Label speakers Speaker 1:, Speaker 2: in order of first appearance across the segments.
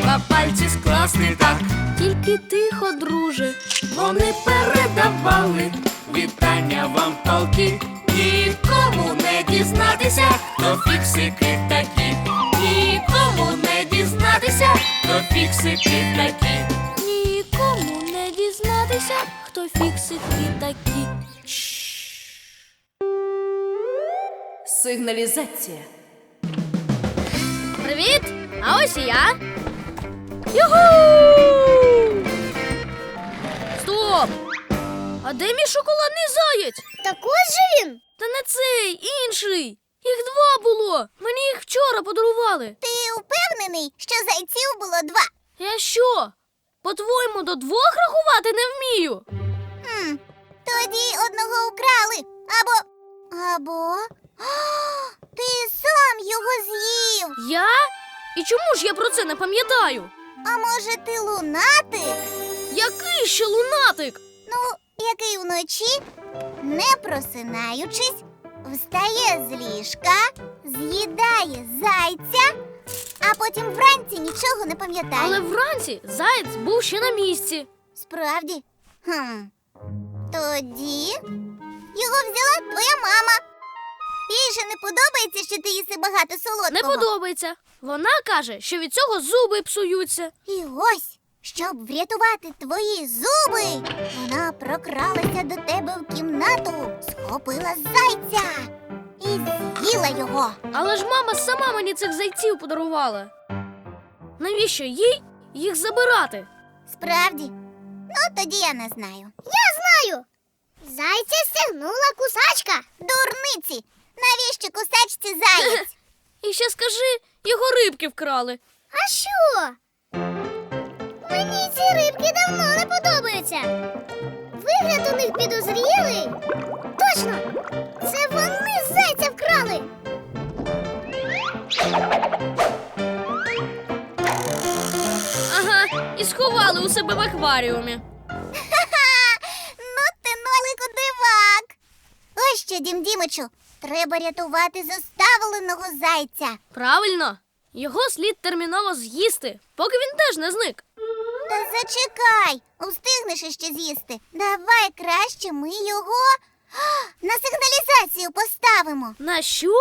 Speaker 1: треба пальці скласти так.
Speaker 2: Тільки тихо, друже.
Speaker 1: Вони передавали вітання вам полки. Нікому не дізнатися, хто фіксики такі. Нікому не дізнатися, хто фіксики такі.
Speaker 2: Нікому не дізнатися, хто фіксики такі.
Speaker 3: Сигналізація.
Speaker 2: Привіт! А ось і я. Юху! Стоп! А де мій шоколадний заєць?
Speaker 4: Так ось же він.
Speaker 2: Та не цей, інший. Їх два було. Мені їх вчора подарували.
Speaker 4: Ти впевнений, що зайців було два?
Speaker 2: Я що? По-твоєму, до двох рахувати не вмію?
Speaker 4: Тоді одного украли. Або... О, ти сам його з'їв.
Speaker 2: Я? І чому ж я про це не пам'ятаю?
Speaker 4: А може ти лунатик?
Speaker 2: Який ще лунатик?
Speaker 4: Ну, який вночі, не просинаючись, встає з ліжка, з'їдає зайця, а потім вранці нічого не пам'ятає.
Speaker 2: Але вранці заєць був ще на місці.
Speaker 4: Справді? Тоді його взяла твоя мама. Їй же не подобається, що ти їси багато солодкого.
Speaker 2: Не подобається. Вона каже, що від цього зуби псуються.
Speaker 4: І ось, щоб врятувати твої зуби, вона прокралася до тебе в кімнату, схопила зайця і з'їла його.
Speaker 2: Але ж мама сама мені цих зайців подарувала. Навіщо їй їх забирати?
Speaker 4: Справді? Ну, тоді я не знаю. Я знаю! Зайця стягнула кусачка. Дурниці! Навіщо кусачці заєць?
Speaker 2: І ще скажи, його рибки вкрали.
Speaker 4: А що? Мені ці рибки давно не подобаються. Вигляд у них підозрілий. Точно! Це вони зайця вкрали.
Speaker 2: Ага, і сховали у себе в акваріумі.
Speaker 4: Ну ти, Нолику, дивак. Ось що, Дім Дімичу, треба рятувати заставленого зайця.
Speaker 2: Правильно, його слід терміново з'їсти, поки він теж не зник.
Speaker 4: Та зачекай, устигнеш іще з'їсти. Давай краще ми його на сигналізацію поставимо.
Speaker 2: На що?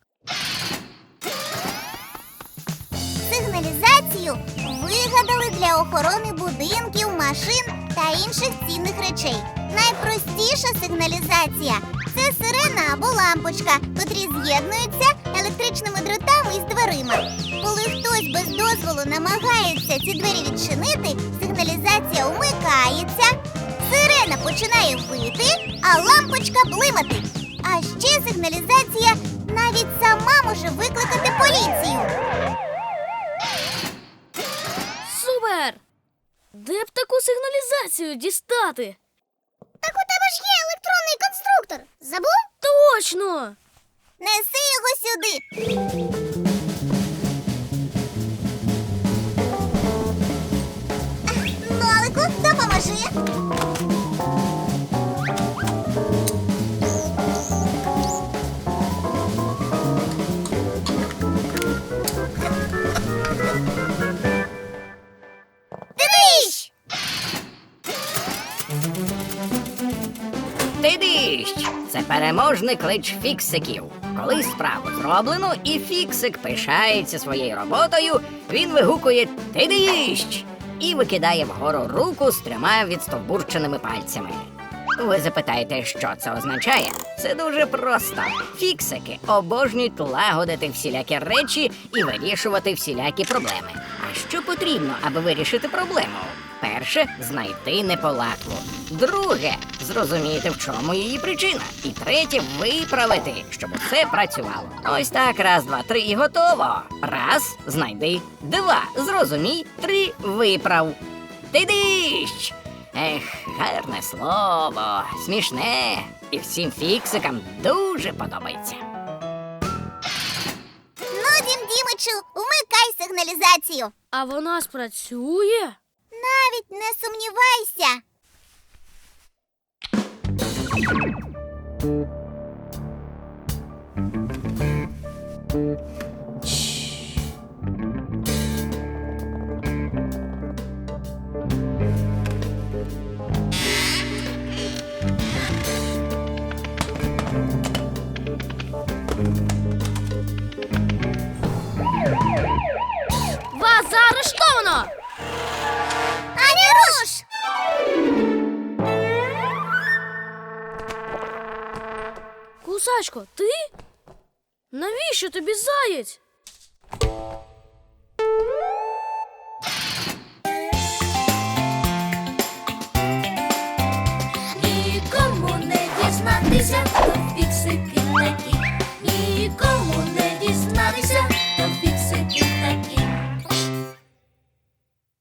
Speaker 4: Сигналізацію вигадали для охорони будинків, машин та інших цінних речей. Найпростіша сигналізація – це сирена або лампочка, котрі з'єднуються електричними дротами із дверима. Коли хтось без дозволу намагається ці двері відчинити, сигналізація умикається, сирена починає вити, а лампочка блимати. А ще сигналізація навіть сама може викликати поліцію.
Speaker 2: Супер! Де б таку сигналізацію дістати?
Speaker 4: Так у тебе ж є електронний конструктор. Забув?
Speaker 2: Точно!
Speaker 4: Неси його сюди. Нолику, допоможи. Дивись!
Speaker 5: Ти-дищ! Це переможний клич фіксиків. Коли справу зроблено і фіксик пишається своєю роботою, він вигукує «Ти-дищ!» і викидає вгору руку з 3 відстовбурченими пальцями. Ви запитаєте, що це означає? Це дуже просто. Фіксики обожнюють лагодити всілякі речі і вирішувати всілякі проблеми. А що потрібно, аби вирішити проблему? Перше – знайти неполадку. Друге – зрозуміти, в чому її причина. І третє – виправити, щоб усе працювало. Ось так, раз, два, три і готово. Раз – знайди. 2 – зрозумій. 3 – виправ. Ти-дищ! Ех, гарне слово, смішне. І всім фіксикам дуже подобається.
Speaker 4: Ну, Дім Дімичу, вмикай сигналізацію.
Speaker 2: А вона спрацює?
Speaker 4: Навіть не сумнівайся. ж!
Speaker 2: Кусачко, ти? Навіщо тобі заєць?
Speaker 1: Нікому не дізнатися,